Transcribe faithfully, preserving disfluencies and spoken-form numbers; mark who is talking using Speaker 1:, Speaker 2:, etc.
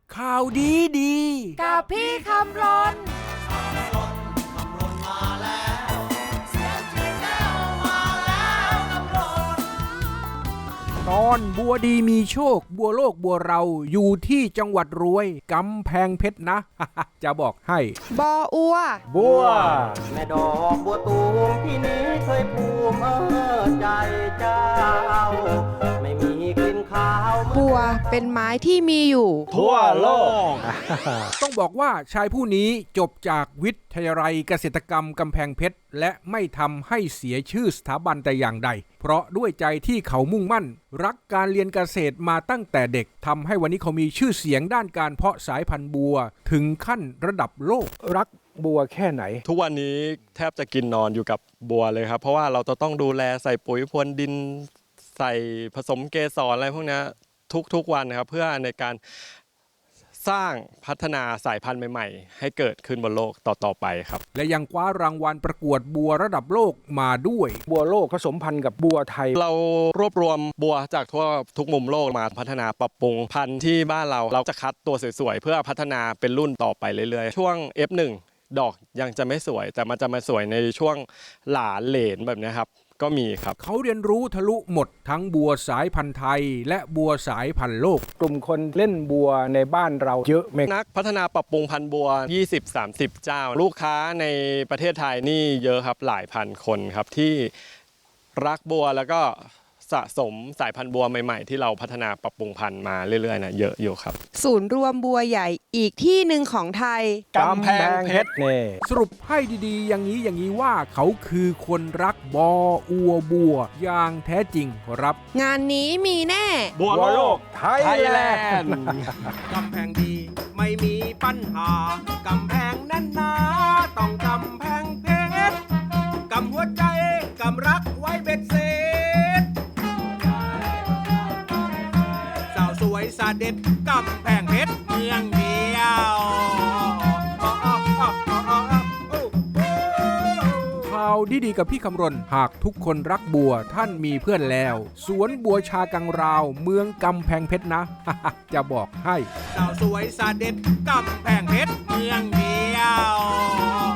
Speaker 1: ข่าวดีดี
Speaker 2: กับพี่คำรน
Speaker 1: ตอนบัวดีมีโชคบัวโลกบัวเราอยู่ที่จังหวัดรวยกำแพงเพชรนะ จะบอกให้
Speaker 2: บออัว
Speaker 1: บัว
Speaker 3: แม่ดอกบัวตูมที่นี้เคยภูมิเออใจเจ้าไม่มีกลิ่นขาว
Speaker 2: บัวเป็นไม้ที่มีอยู่
Speaker 1: ทั่วโลก ต้องบอกว่าชายผู้นี้จบจากวิทยาลัยเกษตรกรรมกำแพงเพชรและไม่ทำให้เสียชื่อสถาบันแต่อย่างใดเพราะด้วยใจที่เขามุ่งมั่นรักการเรียนเกษตรมาตั้งแต่เด็กทำให้วันนี้เขามีชื่อเสียงด้านการเพาะสายพันธุ์บัวถึงขั้นระดับโลกรักบัวแค่ไหน
Speaker 4: ทุกวันนี้แทบจะกินนอนอยู่กับบัวเลยครับเพราะว่าเราจะต้องดูแลใส่ปุ๋ยพรวนดินใส่ผสมเกสรอะไรพวกนี้ทุกๆวันนะครับเพื่อในการสร้างพัฒนาสายพันธุ์ใหม่ๆให้เกิดขึ้นบนโลกต่อๆไปครับ
Speaker 1: และยังคว้ารางวัลประกวดบัวระดับโลกมาด้วยบัวโลกผสมพันธุ์กับบัวไทย
Speaker 4: เรารวบรวมบัวจากทั่วทุกมุมโลกมาพัฒนาปรับปรุงพันธุ์ที่บ้านเราเราจะคัดตัวสวยๆเพื่อพัฒนาเป็นรุ่นต่อไปเรื่อยๆช่วง เอฟ หนึ่ง ดอกยังจะไม่สวยแต่มันจะมาสวยในช่วงหลานเหลนแบบนี้ครับก็มีครับ
Speaker 1: เขาเรียนรู้ทะลุหมดทั้งบัวสายพันธุ์ไทยและบัวสายพันธุ์โลกกลุ่มคนเล่นบัวในบ้านเราเยอะไหม
Speaker 4: นักพัฒนาปรับปรุงพันธุ์บัว ยี่สิบถึงสามสิบ เจ้าลูกค้าในประเทศไทยนี่เยอะครับหลายพันคนครับที่รักบัวแล้วก็สะสมสายพันธุ์บัวใหม่ๆที่เราพัฒนาปรับปรุงพันธุ์มาเรื่อยๆนะเยอะอยู่ครับ
Speaker 2: ศูนย์รวมบัวใหญ่อีกที่หนึ่งของไทย
Speaker 1: กำแพงเพชรเนี่ยสรุปให้ดีๆอย่างนี้อย่างนี้ว่าเขาคือคนรักบออัวบัวอย่างแท้จริงครับ
Speaker 2: งานนี้มีแน่
Speaker 1: บัวโลกไทยแลนด์กำแพงดีไม่มีปัญหากำแพงแน่นหนาต้องกำแพงเพชรกำหัวใจกำรักไว้เบ็ดเสร็จสาวสวยสาเด็ดกำแพงเพชรเมืองเดียวข่าวดีๆกับพี่คำรณหากทุกคนรักบัวท่านมีเพื่อนแล้วสวนบัวชากังราวเมืองกำแพงเพชรนะ จะบอกให้สาวสวยสาเด็ดกำแพงเพชรเมืองเดียว